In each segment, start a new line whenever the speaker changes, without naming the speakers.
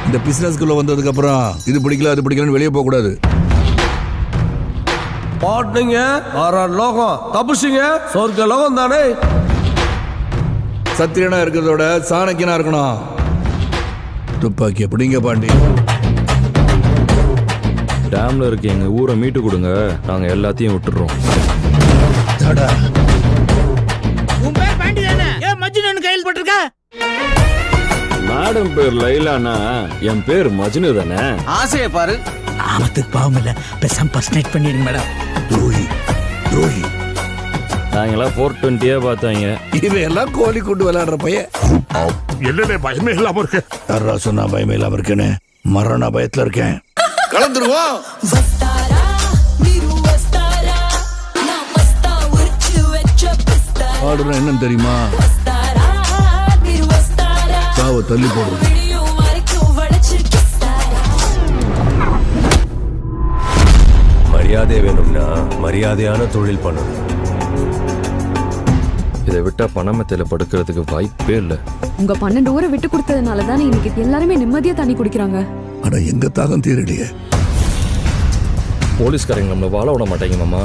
இந்த பிசினஸ்க்குள்ள வந்ததுக்கு அப்புறம் இது பிடிக்கல அது பிடிக்கலன்னு வெளியே போக கூடாது.
பாட்டுங்க 6 லோகம் தப்புச்சிங்க சொர்க்க லோகம் தானே.
சத்திரியனா இருக்கிறதோட சாணக்கியனா இருக்கணும். துப்பாக்கி எப்படிங்க பாண்டி?
டேம்ல இருக்க எங்க ஊரை மீட்டு கொடுங்க, நாங்க எல்லாத்தையும் விட்டுறோம்.
உன் பேர் பாண்டி தானே? ஏன் மஜ்னு கையில் போட்டிருக்க?
மேடம் பேர் லைலானா என் பேர் மஜ்னு தானே.
ஆசையை பாரு.
ஆமத்துக்கு பாவம் இல்ல, பேசாம பர்சனேட் பண்ணிடுங்க மேடம்.
துரோகி துரோகி.
நாங்கெல்லாம் 420 பார்த்தாங்க.
இவையெல்லாம் கோழி கூட்டு விளையாடுற பையன்.
என்னடே பயமே இல்லாம இருக்கு?
யாரா சொன்னா பயமே இல்லாம இருக்கேன்னு? மரண பயத்துல இருக்கேன். கலந்துருவோம். பாடுறேன் என்னன்னு தெரியுமா? சாவை தள்ளி போடுறது.
மரியாதை வேணும்னா மரியாதையான தொழில் பண்ணணும்.
இதை விட்டா பணமத்தையில படுக்கிறதுக்கு வாய்ப்பே இல்லை.
உங்க 12 ஊரை விட்டு கொடுத்ததுனால தானே இன்னைக்கு எல்லாருமே நிம்மதியா தண்ணி குடிக்கிறாங்க.
ஆனா எங்க தாகம் தீரலையே.
போலீஸ்காரங்க நம்மளை வாழ விட மாட்டாங்க மாமா.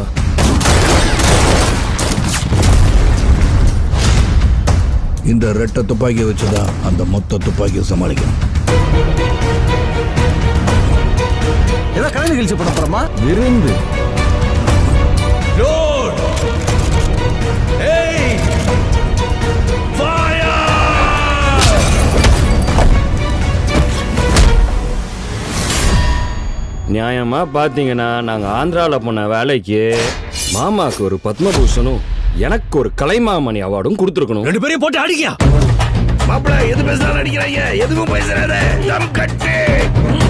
இந்த ரெட்டை துப்பாக்கியை வச்சுதான் அந்த மொத்த துப்பாக்கியை சமாளிக்கணும்.
ஏதோ கலை நிகழ்ச்சி பண்ண போறோமா?
விருந்து நியாயமா பாத்தீங்கன்னா நாங்க ஆந்திரால போன வேலைக்கு மாமாக்கு ஒரு பத்மபூஷனும் எனக்கு ஒரு கலைமாமணி அவார்டும் கொடுத்துருக்கணும்.
2 பேரையும் போட்டு அடிக்கியா?
மாப்பிள்ள எது பேசுறாரு அடிக்கிறாங்க. எதுவும் பேசுறாரு.